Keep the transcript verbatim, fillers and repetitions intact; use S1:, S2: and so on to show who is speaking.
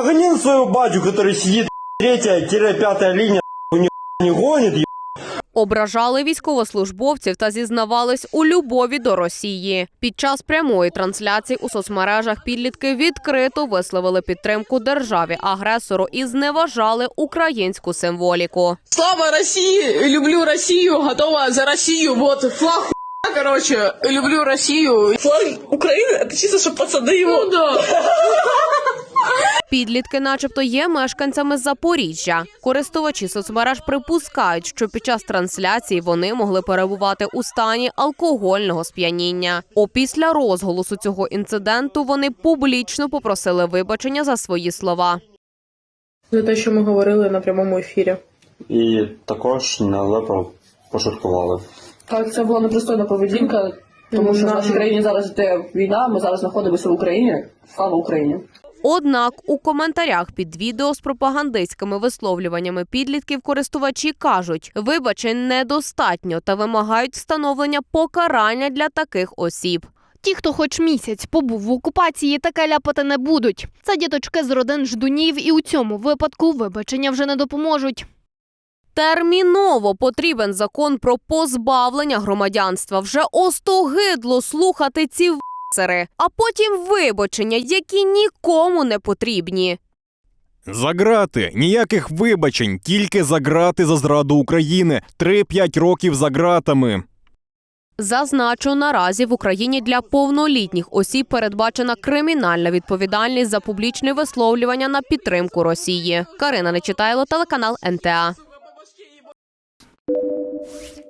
S1: прогонил своего батю, который сидит, третья-пятая линия, не гонит,
S2: Ображали військовослужбовців та зізнавались у любові до Росії. Під час прямої трансляції у соцмережах підлітки відкрито висловили підтримку державі-агресору і зневажали українську символіку.
S3: Слава Росії! Люблю Росію! Готова за Росію! Вот флаг, короче, люблю Росію! Флаг України – це чисто, щоб пацани його... Ну, да.
S2: Підлітки начебто є мешканцями Запоріжжя. Користувачі соцмереж припускають, що під час трансляції вони могли перебувати у стані алкогольного сп'яніння. Опісля розголосу цього інциденту вони публічно попросили вибачення за свої слова.
S3: За те, що ми говорили на прямому ефірі.
S1: І також нелепо пошуткували.
S4: Так, це була непристойна поведінка, тому що в нашій країні зараз йде війна, ми зараз знаходимося в Україні. Слава Україні!
S2: Однак у коментарях під відео з пропагандистськими висловлюваннями підлітків користувачі кажуть, вибачень недостатньо та вимагають встановлення покарання для таких осіб.
S5: Ті, хто хоч місяць побув в окупації, таке ляпати не будуть. Це діточки з родин ждунів і у цьому випадку вибачення вже не допоможуть.
S2: Терміново потрібен закон про позбавлення громадянства. Вже остогидло слухати ці в***цери, а потім вибачення, які нікому не потрібні.
S6: За грати. Ніяких вибачень, тільки за грати за зраду України. три-п'ять років за гратами.
S2: Зазначу, наразі в Україні для повнолітніх осіб передбачена кримінальна відповідальність за публічне висловлювання на підтримку Росії. Карина Нечитайло, телеканал ен те а.